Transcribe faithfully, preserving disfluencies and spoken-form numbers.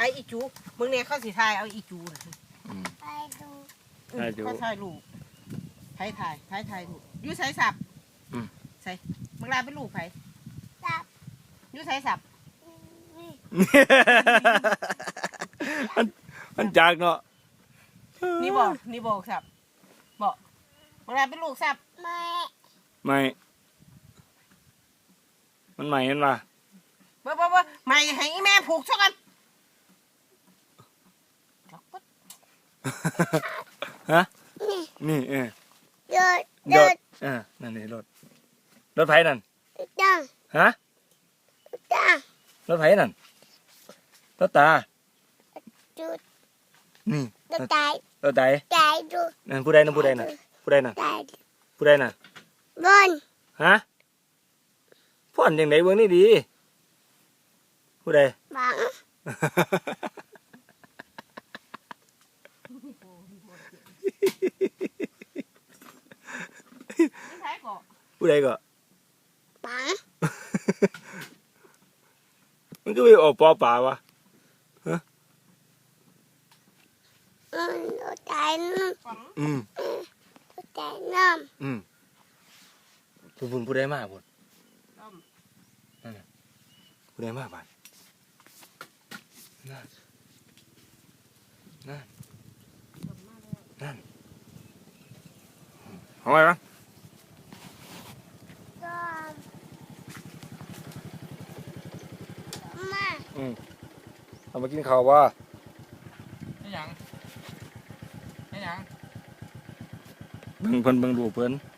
อ้อีจูมึงเนี่ยเขาสิทายเอาอีจูไปดูเขาทายลูกไผ่ทายไผ่ทายลูกยูใส่สับใส่มึงลาเป็นลูกไผ่สับยูใส่สับมันมันจากเนาะนี่บอกนี่บอกสับบอกมึงลาเป็นลูกสับไม่ไม่มันใหม่มันมาเบ่บ่บ่ไม่ให้แม่ผูกช่อกันฮะนี่เออรถรถอ่านั่นนี่รถรถไผ่นั่นจ้าฮะจ้ารถไผ่นั่นรถตาจุดนี่รถไถรถไถไถดูนั่นผู้ใดนั่นผู้ใดน่ะผู้ใดน่ะผู้ใดน่ะบนฮะพ่อนยังไงเบื้องนี่ดีผู้ใดบังผู้ใดก็บังมันก็ไปออกปอป่าวะฮะอืมรถไถอืมรถไถน้ำอืมผู้บุญผู้ใดมากบุญนั่นน่ะผู้ใดมากบ้านนั่นนั่นนั่นเอาไว้ปะมาอืมเอามากินข้าวว่าไม่ยังไม่ยังเบิ่งเพิ่นเบิ่งดูเพิ่น